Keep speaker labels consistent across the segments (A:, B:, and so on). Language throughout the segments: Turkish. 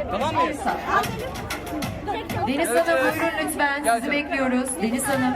A: Tamam mı?
B: Deniz Hanım buyurun lütfen. Sizi bekliyoruz. Deniz Hanım.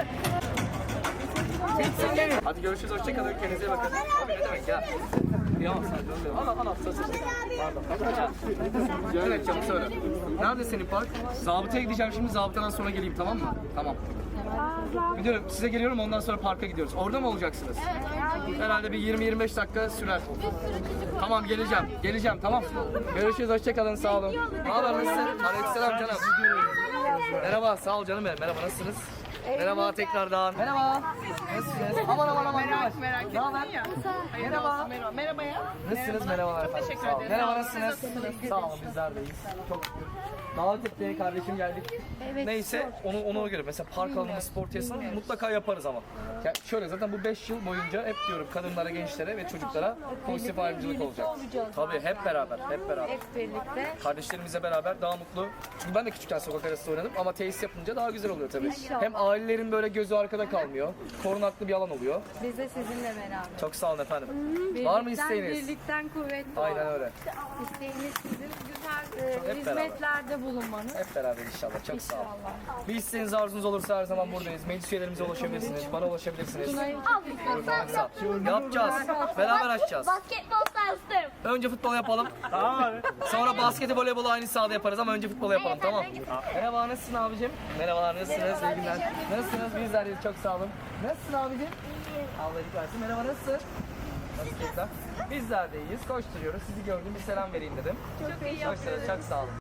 A: Hadi görüşürüz, hoşçakalın, kendinize iyi bakın. Abi ne demek ya? Kıyamam sadece. Al, pardon. Evet, çabuk söyle. Nerede senin park? Zabıtaya gideceğim şimdi, zabıtadan sonra geleyim, tamam mı? Tamam. Gidiyorum, size geliyorum, ondan sonra parka gidiyoruz. Orada mı olacaksınız? Herhalde bir 20-25 dakika sürer. Tamam, geleceğim, tamam. Görüşürüz, hoşçakalın, sağ olun. Ne haber, nasılsın? Aleykümselam canım. Merhaba, sağ ol canım benim. Merhaba, nasılsınız? Merhaba tekrardan. Merhaba. Nasılsınız? Aman.
C: Merak ettin ya.
A: Merhaba.
C: Merhaba ya.
A: Nasılsınız? Merhabalar efendim.
C: Teşekkür
A: Sağ olun.
C: ederim.
A: Merhaba, nasılsınız? Sağ olun, bizler deyiz. Çok şükür. Davet etti kardeşim, geldik. Neyse ona göre mesela park alanı spor tesisini mutlaka yaparız ama. Ya şöyle zaten bu 5 yıl boyunca hep diyorum kadınlara, gençlere ve çocuklara pozitif ayrımcılık olacak. Tabii hep beraber.
D: Hep birlikte.
A: Kardeşlerimizle beraber daha mutlu. Çünkü ben de küçükken sokak arası oynadım ama tesis yapınca daha güzel oluyor tabii. Hem ailelerin böyle gözü arkada kalmıyor. Korunaklı bir alan oluyor.
D: Biz de sizinle beraber.
A: Çok sağ olun efendim. Var mı isteğiniz?
D: Birlikten kuvvetli.
A: Aynen öyle.
D: İsteğiniz sizin güzel
A: Hep beraber.
D: hizmetlerde bulunmanız.
A: Hep beraber inşallah. Çok sağ olun. Bir isteğiniz, arzunuz olursa her zaman buradayız. Meclis üyelerimize ulaşabilirsiniz. Bana ulaşabilirsiniz. Sağ ol. Yapacağız. Beraber açacağız.
E: Basketbol sahası.
A: Önce futbol yapalım. Sonra basketi, voleybolu aynı sahada yaparız ama önce futbol yapalım, tamam. Merhaba, nasılsın abicim? Merhabalar, nasılsınız? İyi günler. Nasılsınız? Bizler de çok sağ olun. Nasılsın abicim? Allah iyilik versin. Merhaba, nasılsın? Nasıl keyifler? Bizler de iyiyiz. Koşturuyoruz. Sizi gördüm, bir selam vereyim dedim. Çok iyi yapıyoruz. Çok sağ olun.